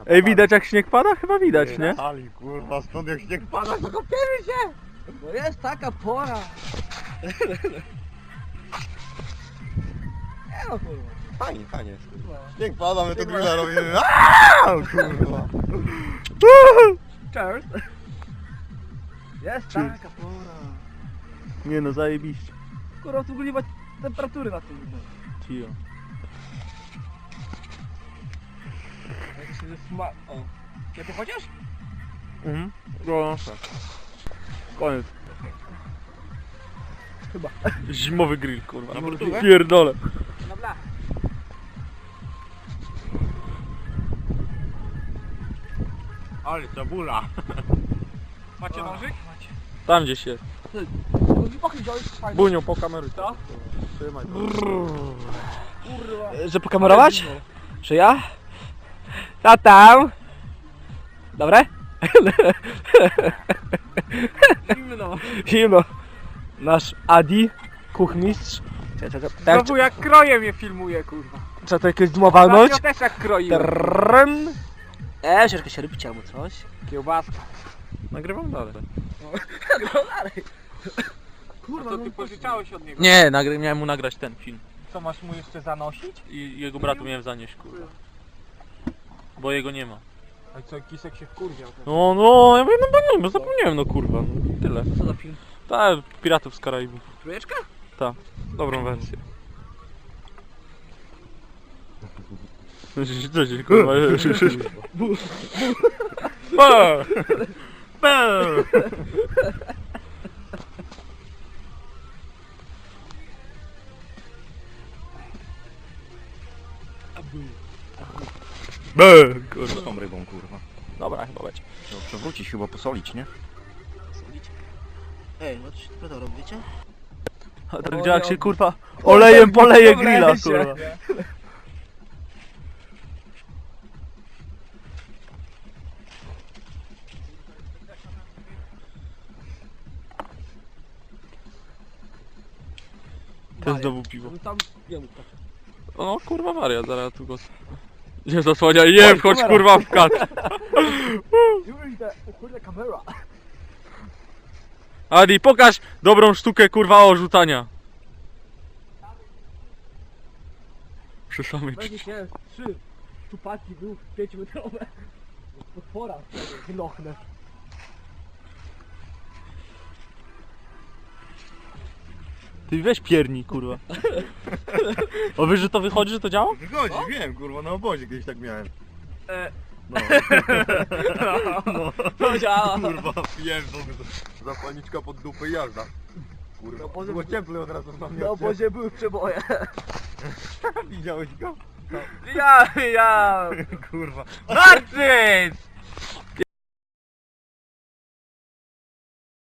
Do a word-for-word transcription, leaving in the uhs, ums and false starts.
Ej, widać jak śnieg pada? Chyba widać, nie? Ali, kurwa, stąd jak śnieg pada, to kopiemy się! Bo jest taka pora. Nie no kurwa. Fajnie, fajnie. No. Śnieg pada, my to grilla robimy. Aaaa, kurwa. Cheers. Jest Cheers. taka pora. Nie no, zajebiście. Kurwa, tu ogólnie ma temperatury na tym. Cio. Jak się sma... O. Ja tu chociaż? Mhm. No, tak. Koniec. Chyba. Zimowy grill, kurwa. Na burtówę? Pierdolę. Na blach. Ale cebula. Macie nożyk? Macie. Tam gdzieś jest. Nie pochyl działać fajnie. Bunią po kamery. Co? Trzymaj. Kurwa. Że pokamerować? Czy ja? Co tam? Dobre? Zimno. Zimno. Nasz Adi, kuchmistrz. Czekaj, czekaj, tak, Znowu jak kroje mnie filmuje, kurwa. trzeba to jakieś duma walnąć. Ja też jak kroiłem. Trrrrn. E, troszkę się rybić albo coś. Kiełbaska. Nagrywam dalej. No dalej. Kurwa, to ty pożyczałeś od niego. Nie, nagry miałem mu nagrać ten film. Co masz mu jeszcze zanosić? I jego bratu miałem zanieść, kurwa. Bo jego nie ma. A co, Kisek się wkurwiał. No, no, ja mówię, no bo nie, bo zapomniałem, no kurwa. No, tyle. Co za film? Tak, Piratów z Karaibów. Trójeczka? Tak, dobrą wersję. Co się kurwa? Ba! Ba! Be, kurwa. Z tą rybą, kurwa. Dobra, chyba będzie. Trzeba przewrócić, chyba posolić, nie? Ej, no coś ty to robicie? A tak działa jak się kurwa olejem poleje grilla, kurwa. To jest znowu piwo. No tam, nie mów tak. O kurwa wariat, zaraz tu go... Nie zasłaniaj, nie wchodź kurwa w kat. Już idę, o kurde, kamera. Adi, pokaż dobrą sztukę kurwa orzucania. Przy samej Będzie się trzy czupaki był pięciometrowe. Potwora, wylochnę. Ty weź pierni kurwa. O wiesz, że to wychodzi, że to działa? Wychodzi, wiem, kurwa, na obozie kiedyś tak miałem. E. No. No. To działa. Kurwa, wiem, to zapalniczka pod dupę i jazda. Kurwa, obozie było był- cieplej od razu na mnie. Na obozie były przeboje. Widziałeś go? Ja, ja. Kurwa. Marcin!